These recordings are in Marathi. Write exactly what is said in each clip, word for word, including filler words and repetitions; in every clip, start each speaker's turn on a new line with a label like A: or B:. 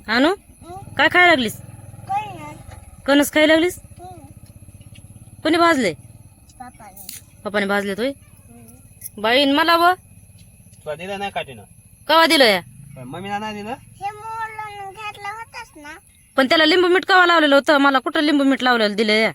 A: आणू काय खायला लागलीस? कणस खायला लागलीस? कोणी भाजले? पप्पाने भाजले तोय बाईन मला व
B: तुला दिलं नाही काठीनं?
A: कवा दिलं या?
B: मम्मीला नाही दिलं?
A: पण त्याला लिंबू मीठ कवा लावलेलं होतं? मला कुठं लिंबू मीठ लावलेलं दिलं या?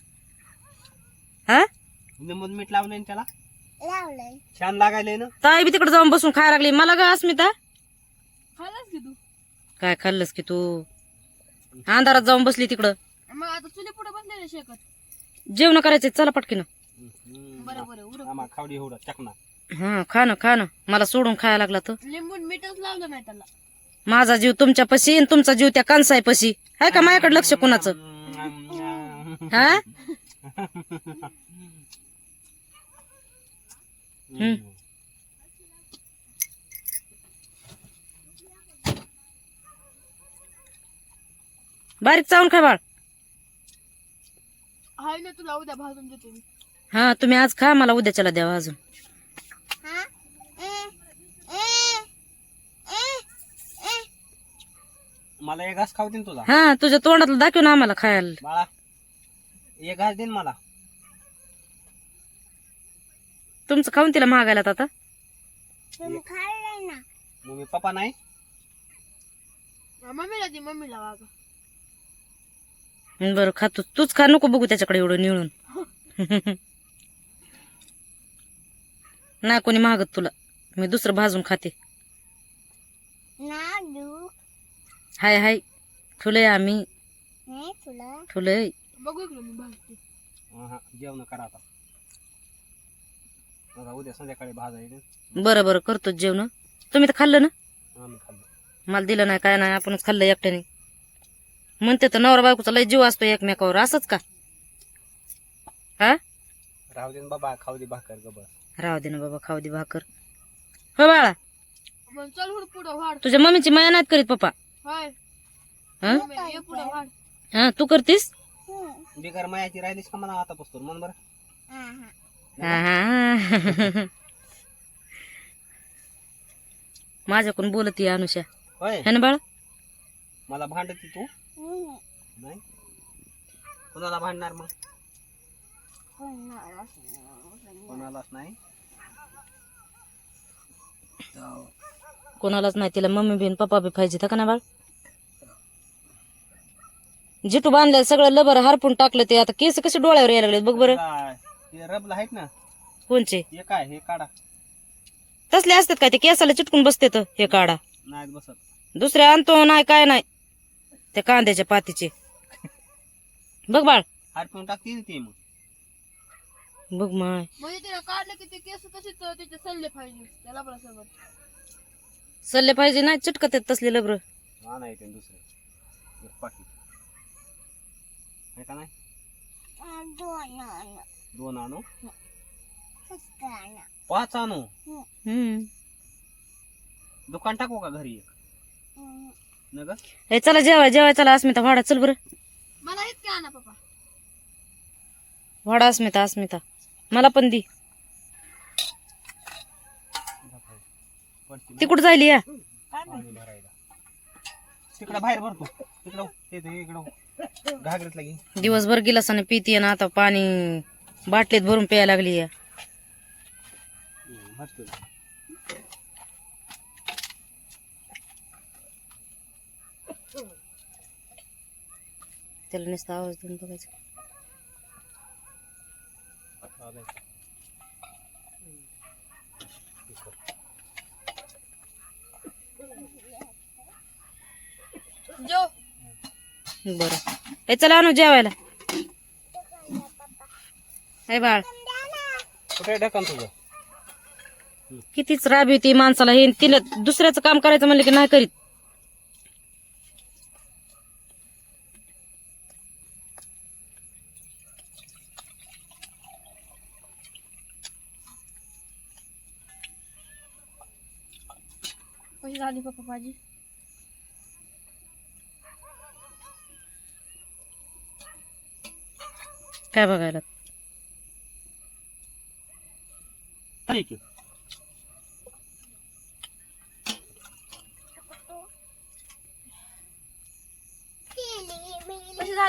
A: हा
B: लिंबू मीठ लावलंय ना त्याला? छान लागायलंय ना?
A: ताई बी तिकडे जाऊन बसून खायला लागली. मला ग अस्मिता
C: खाल्लंस की तू?
A: काय खाल्लंस की तू? अंधारात जाऊन बसली तिकडं.
C: मग आता चुली पुढे बसलेले शेकत.
A: जेवण करायचे चला पटकीनं.
C: बरोबर आहे. उरक.
B: आम्हा खावडी एवढा चकना.
A: हा खा ना खा ना. मला सोडून खायला लागला तर
C: लिंबून मीठच लावलं नाही त्याला.
A: माझा जीव तुमच्या पशी आणि तुमचा जीव त्या कांसाय पशी आहे का? माझ्याकडे लक्ष कुणाचं? हा हम्म. बारीक चावून खा बाळ.
C: हाय ना तुला उद्या भाजून देते मी.
A: हा तुम्ही आज खा, मला उद्याच्याला द्यावा अजून.
B: मला एक घास खाऊ दे ना तुझा.
A: हा तुझ्या तोंडातलं दाखव ना आम्हाला खायला.
B: बाळा एक घास दे ना मला.
A: तुमचं खाऊन तिला मागायला आता.
B: मम्मी पप्पा नाही?
C: मम्मीला दे, मम्मीला वागा.
A: बरं खा तू. तूच खा, नको बघू त्याच्याकडे एवढं निळून. नाही कोणी मागत तुला, मी दुसरं भाजून खाते. हाय हाय ठुलय आम्ही ठुलय.
C: बघू इकडे मी भाजते.
B: हा जेवण करा आता. मला उद्या संध्याकाळी भाजायचं.
A: बरं बरं करतो जेवण. तुम्ही तर खाल्लं ना?
B: आम्ही खाल्लं.
A: मला दिलं नाही काय नाही, आपणच खाल्लं एकट्याने. म्हणते तर नवरा बायकोचा लय जीव असतो एकमेकावर, असंच का? हा
B: राहू दे ना बाबा, खाऊ दे भाकर ग बस.
A: राहू दे ना बाबा, खाऊ दे भाकर. हो बाळा,
C: मग चल हुड पुढं वाढ.
A: तुझ्या मम्मीची माया नाहीत करीत पप्पा?
C: हाय
A: हा
C: मम्मी, ये पुढं वाढ.
A: हा तू करतीस?
B: बिगर मायाची राहिलीस का मला आता पुस्तूर मन बरं.
A: हा, हा. माझ्याकडून बोलती अनुषा
B: होय
A: है ना बाळा?
B: मला भांडती तू नाही? कोणाला भांडणार मग? कोणालाच नाही.
A: कोणालाच नाही. तिला मम्मी बी पप्पा बी पाहिजे का ना बाळ? जिटू बांधलं सगळं लबर हारपून टाकलं. ते आता केस कसे डोळ्यावर यायला लागले बघ बरं.
B: ते रबला आहेत ना
A: कोणचे?
B: हे काय हे काढा.
A: तसले असतात काय ते केसाला चिटकून बसते तर हे काढा.
B: नाही बसत.
A: दुसरे आणतो नाही काय नाही. त्या कांद्याच्या पातीचे बघ बाळ.
B: हारपून टाकते ते मग.
A: बघ माय
C: म्हणजे तिला काढलं की ते केस तशीच त्याचे सल्ले पाहिजे त्याला बरं सोबत.
A: सल्ले पाहिजे नाही चिटकत आहेत तसले लबर.
B: हा नाही ते दुसरे एक पाकिट आहे का नाही? दोन आणू पाच आणू.
A: हम्म
B: दुकान टाकू का घरी एक? न ग
A: हे चला जेवाय जेवाय चला. अस्मिता वाडा चल बरं.
C: मला हेच काय आणा पप्पा.
A: वाडा अस्मिता अस्मिता मला पण दी. ती कुठं जायली या?
B: पाणी भरायला तिकडं बाहेर भरतो. तिकडं ते इकडं घागरीत लागी.
A: दिवसभर गिलासाने पितीये ना, आता पाणी बाटलीत भरून प्यायला लागली या.
B: भरतो.
A: त्याला नुसता आवाज देऊन बघायचं.
C: जो
A: बरं हे चला आणू जेवायला. हे बाळ
B: कुठे ढकन तुझं?
A: कितीच राब येते माणसाला. हे तिला दुसऱ्याचं काम करायचं म्हणलं की नाही करीत.
C: कशी झाली पप्पा भाजी?
A: काय बघायला?
B: ठीक आहे.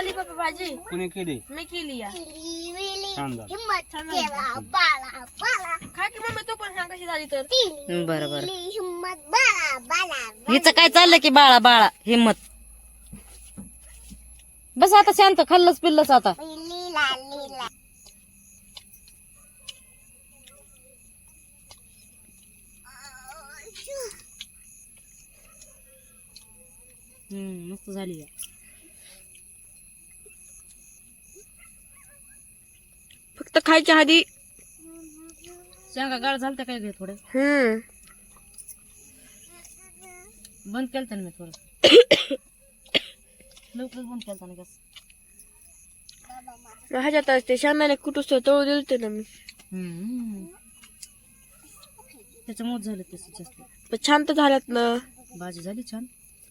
C: झाली बाबा भाजी
B: कुणी केली
C: मी केली या
B: छान झालं.
C: खा की मम्मी तू पण सांग कशी झाली तर
A: बरं बरं हिचं काय चाललं की बाळा बाळा हिम्मत बस आता शांत खाल्लंच पिल्लंच आता हम्म मस्त झाली या.
C: फक्त खायच्या आधी
A: शेंगा गाळ झालत्या काय घे थोडे
C: हम्म
A: बंद केलं ना मी थोडं लवकर बंद केलं ना गॅस
C: ह्याच्यात ते शेंगदाणे कुठूस तळू दिलते ना मी
A: हम्म त्याच्यामुळे झालं तसं जास्त
C: पण छान तर झाल्यात ना
A: भाजी झाली छान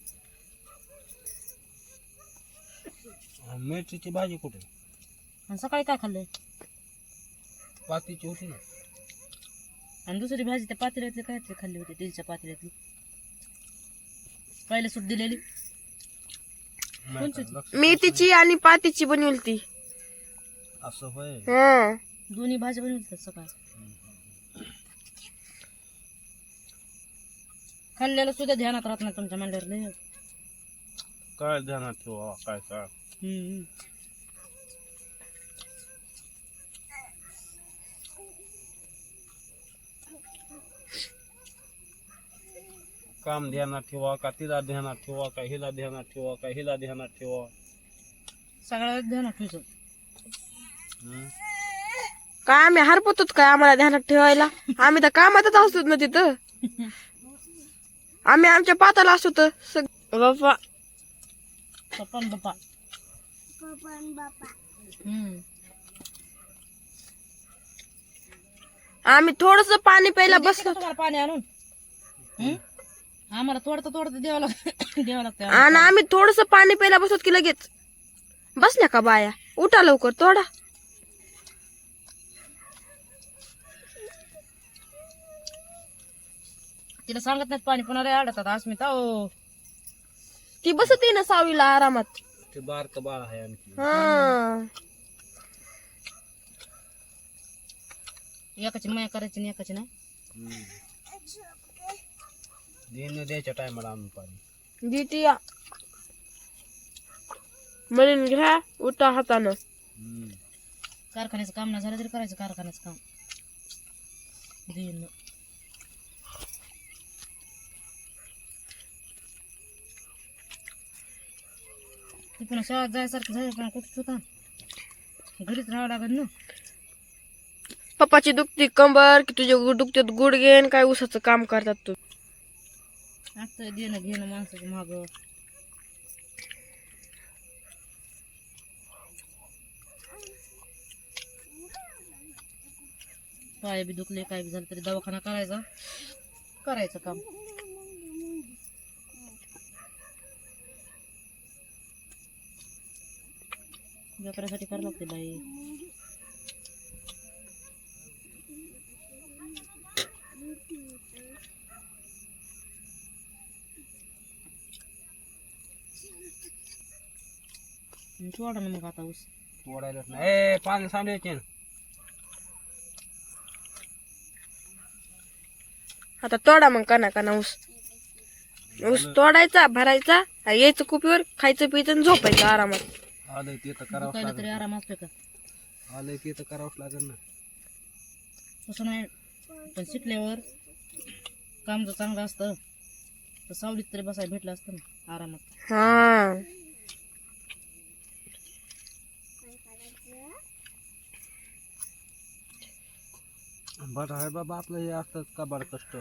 B: मिरचीची भाजी कुठे
A: आणि सकाळी काय खाल्लंय
B: पातीची होती ना
A: आणि दुसरी भाजी त्या पातेल्यातली काय खाल्ली होती दिलच्या पातेल्यातली पहिल्या सूट दिलेली कोणची होती?
C: मेथीची आणि पातीची बनवली ती
B: असं होय
C: हा
A: दोन्ही भाज्या बनवतात सकाळ खाल्ल्याला सुद्धा ध्यानात राहत नाही तुमच्या मंडळावर लय
B: काय ध्यानात ठेवा काय काय
A: हम्म
B: काम ध्यानात ठेवा का तिला ध्यानात ठेवा का हिला ध्यानात ठेवा का हिला ध्यानात ठेवा
A: सगळ्या ध्यानात ठेवायचं
B: हम्म?
C: काय आम्ही हरपतोच काय आम्हाला ध्यानात ठेवायला आम्ही तर कामातच असतो ना तिथं आम्ही आमच्या पाताला असतो तर सग- बाप्पा
A: पप्पा बाप्पा हम्म
C: आम्ही थोडस पाणी प्यायला
A: देते
C: बसलो
A: का तुम्हाला पाणी आणून हम्म? आम्हाला थोडं थोडं द्यावं लागतं द्यावं लागतं
C: आणि आम्ही थोडस पाणी प्यायला बसलो की लगेच बसल्या का बाया उठा लवकर थोडा
A: तिला सांगत नाहीत पाणी पुन्हा लय अडतात अस्मिता ओ
C: ती बसते ना सावीला आरामात
B: ते बारक बाळ आहे आणखी
C: हा
A: एकाची माया करायची आणि एकाची नाही
B: हम्म. देणं द्यायच्या टायमाला आणून पाणी
C: देती या म्हणून घ्या उठा हातानं
B: हम्म.
A: कारखान्याचं काम नाही झालं तरी करायचं कारखान्याचं काम देणं. ती पुन्हा शाळेत जायसारखं झालं पण कुठं होता घरीच राहावं लागेल ना
C: पप्पाची दुखती कंबर की तुझे गु- दुखतात गुडघे आणि काय उसाचं काम करतात तू
A: आता देणं घेणं माणसाचं माग पाय बी दुखले काय बी झालं तरी दवाखाना करायचा करायचं काम व्यापारासाठी करावं लागते बाई सोडा ना मग आता ऊस
B: तोडायलाच नाही ए पाणी सांडायचे ना
C: आता तोडा मग कना कना ऊस ऊस तोडायचा भरायचा आणि यायचं कुपीवर खायचं पियचं आणि झोपायचं आरामात
B: आलंय ते तर करावंच
A: दुखायला तरी
B: लागेल
A: आराम असतो का
B: आलंय ते तर करावंच लागेल ना
A: तसं नाही पण शिकल्यावर काम जर चांगलं असतं तर सावलीत तरी बसायला भेटलं असतं ना आरामात
C: हा
B: बरं आहे बाबा आपलं हे असतंच का बरं कष्ट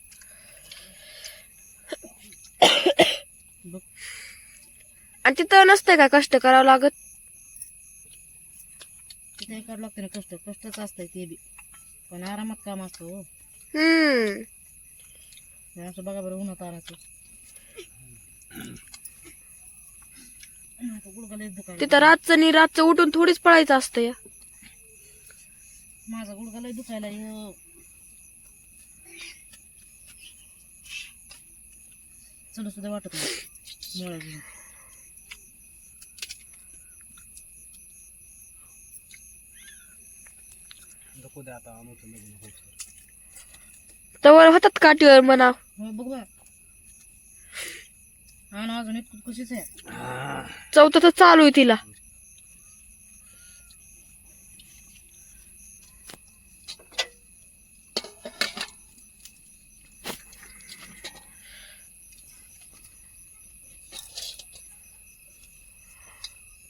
A: बघ
C: आणि तिथं नसतंय का कष्ट करावं लागत
A: तिथे करावं लागतं ना कष्ट कष्टच असतंय ते बी पण आरामात काम असतं हो
C: हम्म
A: हे असं बघा बरं उन्हात आणायचं गुडघा लय दुखायला
C: तिथं रातचं आणि रातचं उठून थोडीच पळायचं असतं या
A: माझा गुडघा लय दुखायला ह्यो. चला सुद्धा वाटत नाही मोळ्या घेऊन
B: हो द्या आता अनुचं लग्न होत
C: तवर होतात काठीवर म्हणा.
A: हो बघ बा हा ना अजून इतकं कशीच आहे
C: चौथं तर चालू आहे तिला.